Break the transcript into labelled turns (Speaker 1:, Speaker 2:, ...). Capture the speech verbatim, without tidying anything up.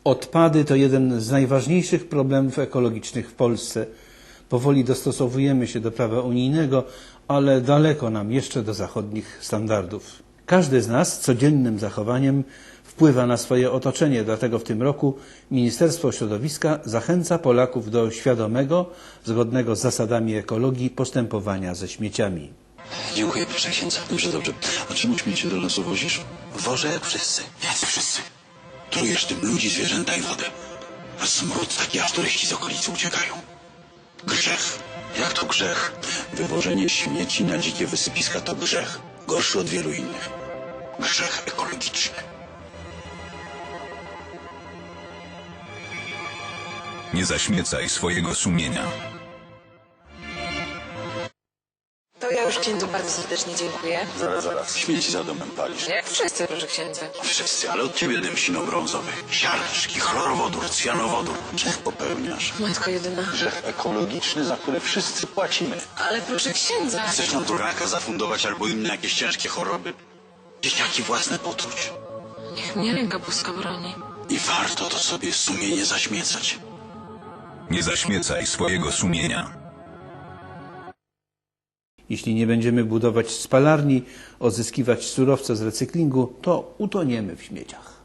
Speaker 1: Odpady to jeden z najważniejszych problemów ekologicznych w Polsce. Powoli dostosowujemy się do prawa unijnego, ale daleko nam jeszcze do zachodnich standardów. Każdy z nas codziennym zachowaniem wpływa na swoje otoczenie, dlatego w tym roku Ministerstwo Środowiska zachęca Polaków do świadomego, zgodnego z zasadami ekologii postępowania ze śmieciami.
Speaker 2: Dziękuję, proszę księdza. Dobrze, dobrze. A czemu śmiecie do lasu wozisz?
Speaker 3: Wożę jak wszyscy.
Speaker 2: Jacy wszyscy? Trujesz tym ludzi, zwierzęta i wodę. A smród taki, aż turyści z okolicy uciekają. Grzech.
Speaker 3: Jak to grzech?
Speaker 2: Wywożenie śmieci na dzikie wysypiska to grzech. Gorszy od wielu innych. Grzech ekologiczny.
Speaker 4: Nie zaśmiecaj swojego sumienia.
Speaker 5: To ja już księdzu bardzo serdecznie dziękuję.
Speaker 2: Zaraz, zaraz. Śmieci za domem palisz.
Speaker 5: Jak wszyscy, proszę księdza.
Speaker 2: Wszyscy, ale od ciebie dym sino-brązowy. Siarczki, chlorowodór, cjanowodór. Grzech popełniasz.
Speaker 5: Matko jedyna.
Speaker 2: Grzech ekologiczny, za który wszyscy płacimy.
Speaker 5: Ale proszę księdza.
Speaker 2: Chcesz nam tu raka zafundować albo inne jakieś ciężkie choroby? Dzieciaki własne potruć.
Speaker 5: Niech mnie ręka boska broni.
Speaker 2: I warto to sobie sumienie zaśmiecać.
Speaker 4: Nie zaśmiecaj swojego sumienia.
Speaker 1: Jeśli nie będziemy budować spalarni, odzyskiwać surowce z recyklingu, to utoniemy w śmieciach.